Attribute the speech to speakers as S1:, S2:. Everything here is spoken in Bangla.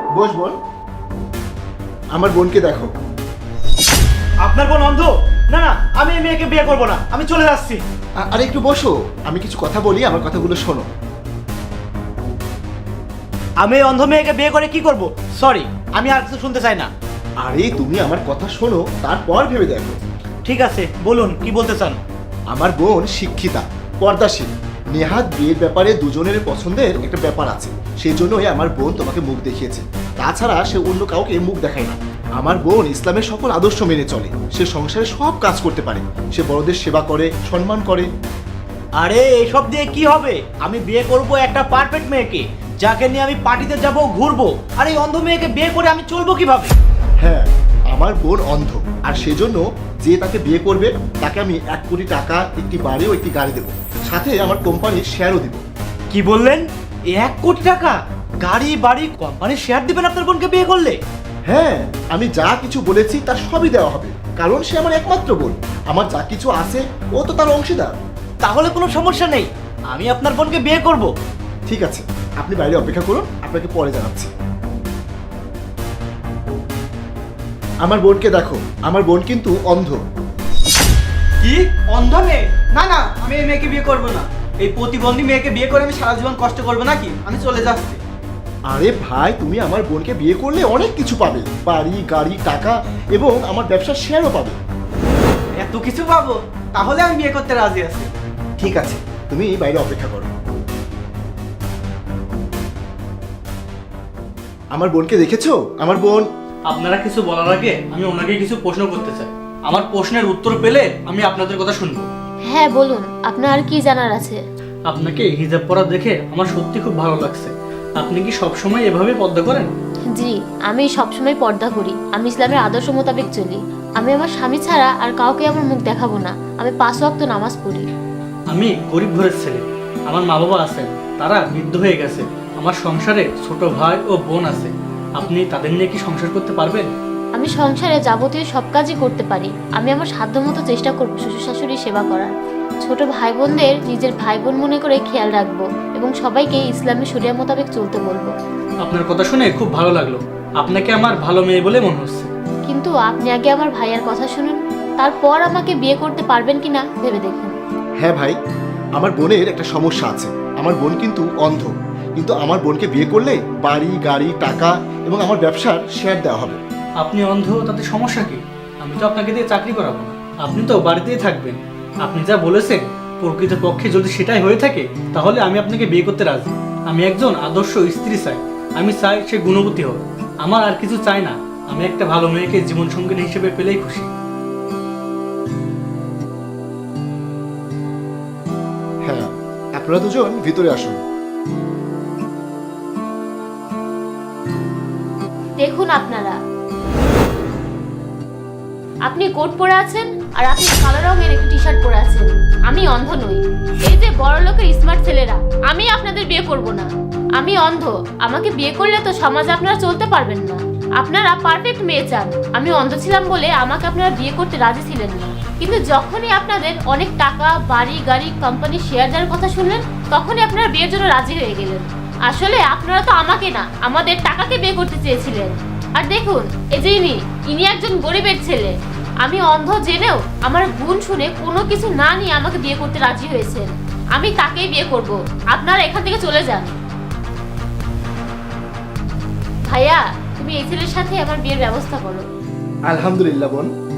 S1: বস বোন। আমার বোনকে দেখো।
S2: আপনার বোন অন্ধ? না না, আমি এই মেয়েকে বিয়ে করব না, আমি চলে যাচ্ছি।
S1: আরে একটু বসো, আমি কিছু কথা বলি, আমার কথাগুলো শোনো।
S2: আমি এই অন্ধ মেয়েকে বিয়ে করে কি করব? সরি, আমি আর কিছু শুনতে চাই না।
S1: আরে তুমি আমার কথা শোনো, তারপর ভেবে দেখো।
S2: ঠিক আছে, বলুন কি বলতে চান।
S1: আমার বোন শিক্ষিতা, পর্দাশীল। নেহাত বিয়ের ব্যাপারে দুজনের পছন্দের একটা ব্যাপার আছে, সেই জন্যই আমার বোন তোমাকে মুখ দেখিয়েছে। তাছাড়া সে অন্য কাউকে মুখ দেখায় না। আমার বোন ইসলামের সকল আদর্শ মেনে চলে। সে সংসারে সব কাজ করতে পারে। সে বড়দের সেবা করে, সম্মান করে।
S2: আরে এসব দিয়ে কি হবে? আমি বিয়ে করব একটা পারফেক্ট মেয়েকে, যাকে নিয়ে আমি পার্টিতে যাব, ঘুরবো। আর এই অন্ধ মেয়েকে বিয়ে করে আমি চলবো কিভাবে?
S1: হ্যাঁ, আমার বোন অন্ধ, আর সেজন্য যে তাকে বিয়ে করবে তাকে আমি 1 কোটি টাকা, একটি বাড়ি ও একটি গাড়ি দেবো, সাথে আমার কোম্পানির শেয়ারও দিব।
S2: কি বললেন? 1 কোটি টাকা, গাড়ি বাড়ি, কোম্পানির শেয়ার দিবেন আপনার বোনকে বিয়ে করলে?
S1: হ্যাঁ, আমি যা কিছু বলেছি তার সবই দেওয়া হবে, কারণ সে আমার একমাত্র বোন। আমার যা কিছু আছে ও তো তার অংশীদার।
S2: তাহলে কোনো সমস্যা নেই, আমি আপনার বোনকে বিয়ে করব।
S1: ঠিক আছে, আপনি বাইরে অপেক্ষা করুন, আপনাকে পরে জানাচ্ছি। আমার বোনকে দেখো, আমার বোন কিন্তু অন্ধ।
S3: কি অন্ধ মেয়ে? না না, আমি এই মেয়েকে বিয়ে করব না। এই প্রতিবন্ধী মেয়েকে বিয়ে করে আমি সারা জীবন কষ্ট করবো নাকি? আমি চলে যাচ্ছি।
S1: আরে ভাই, তুমি আমার বোনকে বিয়ে করলে অনেক কিছু পাবে, বাড়ি গাড়ি টাকা এবং আমার ব্যবসার শেয়ারও পাবে।
S3: এত কিছু পাবো? তাহলে আমি বিয়ে করতে রাজি আছি।
S1: ঠিক আছে, তুমি বাইরে অপেক্ষা করো। আমার বোনকে দেখেছো? আমার বোন।
S4: আপনারা কিছু বলার আগে আমি ওনাকে কিছু প্রশ্ন করতে চাই। আমার প্রশ্নের উত্তর পেলে আমি আপনাদের কথা শুনবো।
S5: হ্যাঁ বলুন, আপনার আর কি জানার আছে?
S4: আপনাকে হিজাব পরা দেখে আমার সত্যি খুব ভালো লাগছে। আপনি কি সবসময় এভাবে পর্দা করেন?
S5: জি, আমি সবসময় পর্দা করি। আমি ইসলামের আদর্শ মোতাবেক চলি। আমি আমার স্বামী ছাড়া আর কাউকে আমার মুখ দেখাবো না। আমি 5 ওয়াক্ত নামাজ পড়ি।
S4: আমি গরিব ঘরের ছেলে, আমার মা বাবা আছেন, তারা বৃদ্ধ হয়ে গেছে। আমার সংসারে ছোট ভাই ও বোন আছে। আপনি তাদের নিয়ে কি সংসার করতে পারবেন?
S5: আমি সংসারে যাবতীয় সব কাজই করতে পারি। আমি আমার সাধ্যমতো চেষ্টা করব শ্বশুর শাশুড়ির সেবা করার। ছোট ভাই বোনদের নিজের ভাই বোন মনে করে খেয়াল রাখবো এবং সবাইকে ইসলামের শরিয়া মোতাবেক চলতে বলবো।
S4: আপনার কথা শুনে খুব ভালো লাগলো। আপনাকে আমার ভালো মেয়ে বলে মনে হচ্ছে।
S5: কিন্তু আপনি আগে আমার ভাইয়ার কথা শুনুন, তারপর আমাকে বিয়ে করতে পারবেন কিনা ভেবে দেখুন।
S1: হ্যাঁ ভাই, আমার বোনের একটা সমস্যা আছে। আমার বোন কিন্তু অন্ধ, কিন্তু আমার বোনকে বিয়ে করলে বাড়ি গাড়ি টাকা এবং আমার ব্যবসার শেয়ার দেওয়া হবে।
S4: আপনি অন্ধ, তাতে সমস্যা কি? আমি তো আপনাকে দিয়ে চাকরি করাবো না। আপনি তো বাড়িতেই থাকবেন। আপনি যা বলেছেন প্রকৃতপক্ষে যদি সেটাই হয়ে থাকে, তাহলে আমি আপনাকে বিয়ে করতে রাজি। আমি একজন আদর্শ স্ত্রী চাই। আমি চাই সে গুণবতী হোক। আমার আর কিছু চাই না। আমি একটা ভালো মেয়েকে জীবন সঙ্গিনী হিসেবে পেলেই খুশি।
S1: হ্যাঁ, আপনারা দুজন ভিতরে আসুন।
S5: দেখুন আপনারা, আপনি কোট পরে আছেন আর আপনি কালো রঙের একটি টি শার্ট পরে আছেন। আমি অন্ধ নই। এই যে বড় লোকের স্মার্ট ছেলেরা, আমি আপনাদের বিয়ে করব না। আমি অন্ধ। আমাকে বিয়ে করলে তো সমাজে আপনারা চলতে পারবেন না। আপনারা পারফেক্ট মেয়ে চান। আমি অন্ধ ছিলাম বলে আমাকে আপনারা বিয়ে করতে রাজি ছিলেন না। কিন্তু যখনই আপনাদের অনেক টাকা, বাড়ি গাড়ি, কোম্পানির শেয়ার দেওয়ার কথা শুনলেন, তখনই আপনারা বিয়ের জন্য রাজি হয়ে গেলেন। আসলে আপনারা তো আমাকে না, আমাদের টাকাকে বিয়ে করতে চেয়েছিলেন। আর দেখুন, এই যে ইনি একজন গরিবের ছেলে। আমি অন্ধ জেনেও আমার গুণ শুনে কোনো কিছু না নিয়ে আমাকে বিয়ে করতে রাজি হয়েছেন। আমি তাকেই বিয়ে করব। আপনারা এখান থেকে চলে যান। ভাইয়া, তুমি এই ছেলের সাথে আমার বিয়ের ব্যবস্থা করো।
S1: আলহামদুলিল্লাহ বোন,